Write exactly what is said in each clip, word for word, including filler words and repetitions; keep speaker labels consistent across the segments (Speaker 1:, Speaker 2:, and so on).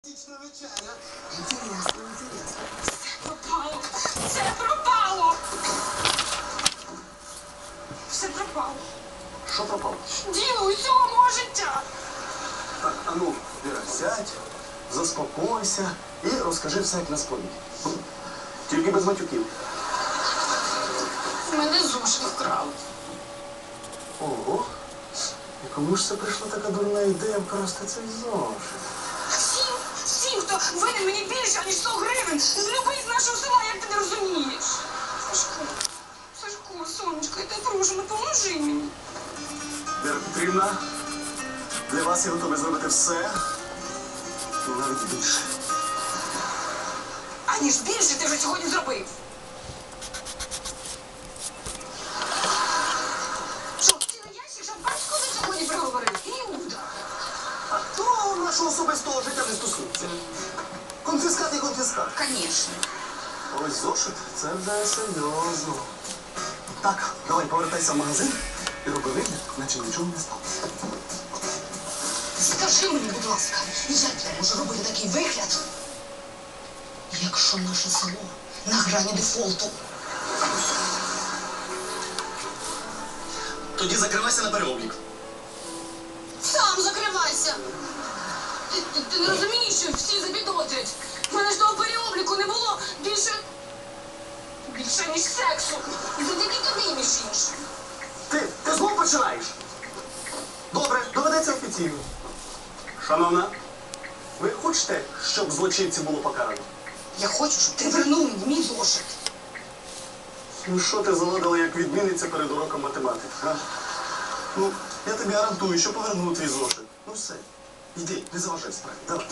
Speaker 1: Вечеря. Інтересно, інтересно.
Speaker 2: Все пропало. Все пропало. Все пропало.
Speaker 1: Що пропало?
Speaker 2: Діло усього мого життя.
Speaker 1: Так, а ну, Віра, сядь, заспокойся і розкажи все, як на сповіді. Тільки без матюків.
Speaker 2: Мене зошит вкрали.
Speaker 1: Ого. І кому ж це прийшла така дурна ідея вкрасти цей зошит?
Speaker 2: Всім, всім, хто винен мені більше, ніж сто гривень, з любий з нашого села, як ти не розумієш. Сашко, Сашко, сонечко, я тебе прошу, ну поможи мені.
Speaker 1: Віра Петрівна, для вас я готовий зробити все, і навіть більше.
Speaker 2: Аніж більше ти вже сьогодні зробив. Що, цілий ящик, щоб батько за сьогодні приговорив? Іуда.
Speaker 1: А то нашого особистого життя не стосується. Конфіскат і конфіскат.
Speaker 2: Конечно.
Speaker 1: Ось зошит, це вже серйозно. Так, давай повертайся в магазин і роби вигляд, наче нічого не сталося.
Speaker 2: Скажи мені, будь ласка, як я можу робити такий вигляд, якщо наше село на грані дефолту?
Speaker 1: Тоді закривайся на переоблік.
Speaker 2: Сам закривайся! Ти, ти, ти не розумієш, що всі запідозрять. У мене ж того переобліку не було більше... більше, ніж сексу. І завдяки тобі, між іншим.
Speaker 1: Ти, ти знов починаєш? Добре, доведеться офіційно. Шановна, ви хочете, щоб злочинців було покарано?
Speaker 2: Я хочу, щоб ти вернув мені мій зошит.
Speaker 1: Ну що ти заводила, як відмінниця перед уроком математики, а? Ну, я тобі гарантую, що поверну твій зошит. Ну все, йди, не заважай справі, давай.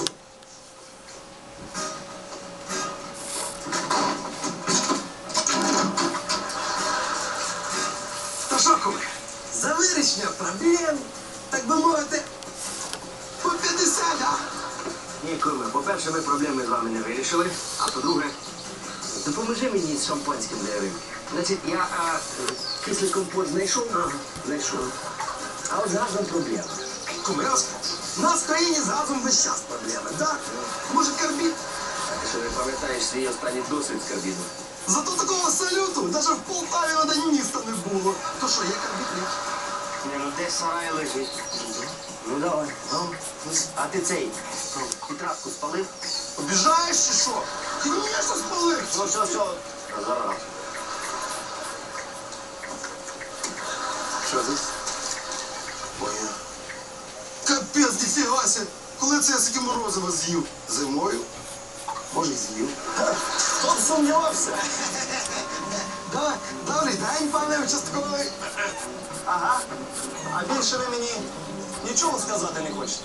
Speaker 3: То що, куме, за вирішення проблем, так би мовити, по п'ятдесят, а?
Speaker 4: Ні, куме, по-перше, ми проблеми з вами не вирішили, а по-друге, допоможи мені з шампанським для рибки. Значить, я а, кислий компот знайшов, ага, знайшов. А от з газом проблема.
Speaker 3: Куме, я вас прошу. У нас в країні з газом весь час проблеми, так? Може, карбід?
Speaker 4: Що не пам'ятаєш свій останній досвід з карбіну?
Speaker 3: Зато такого салюту навіть в Полтаві на день міста не було. То що, є карбід? Ні?
Speaker 4: Ні, ну десь сарай лежить. Ну давай, ну. А ти цей, ну, тетрадку спалив?
Speaker 3: Обіжаєш чи що? Ти мені що спалив?
Speaker 4: Ну все, все. Зараз.
Speaker 1: Що тут?
Speaker 3: Моя. Капець, ніфігася. Коли це я таке морозиво з'їв? Зимою?
Speaker 1: Може, й з'їв. Хто б сумнівався?
Speaker 3: Да, добрий день, пане участковий.
Speaker 1: Ага. А більше ви мені нічого сказати не хочете?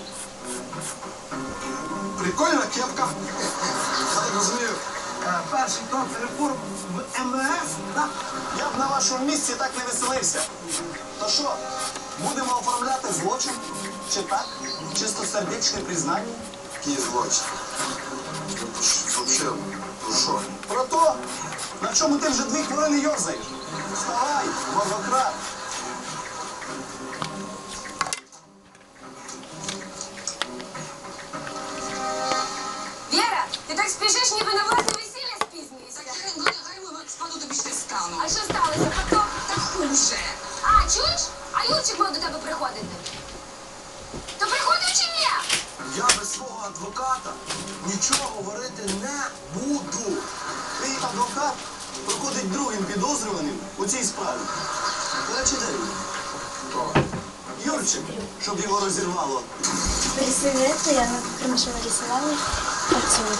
Speaker 3: Прикольна кепка. Я так розумію. е, Перший крок реформ в ем ве еф, так?
Speaker 1: Я б на вашому місці так не веселився. То що, будемо оформляти злочин? Чи так? Чистосердечне признання?
Speaker 3: Який злочин? Взагалі, про що?
Speaker 1: Про то, на чому ти вже дві хвилини йорзаєш. Вставай, моргократ.
Speaker 5: Вера, ти так спішиш, ніби на власне весілля спізнюєшся.
Speaker 2: Ну, нехай ми спаду тобі ще стану.
Speaker 5: А що сталося? Потім?
Speaker 2: Та хуже.
Speaker 5: А, чуєш? А Юрчик мав до тебе приходити. То приходив чи ні?
Speaker 3: Я без свого адвоката нічого говорити не буду.
Speaker 1: Твій адвокат проходить другим підозрюваним у цій справі. До речі, де він? Юрчик, щоб його розірвало.
Speaker 6: Привет, я хорошо нарисовала картину.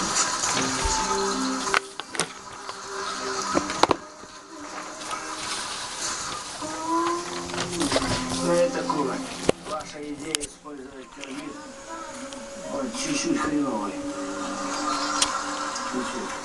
Speaker 4: Ну это куме. Ваша идея использовать карбид вот чуть-чуть хреновый. Чуть-чуть.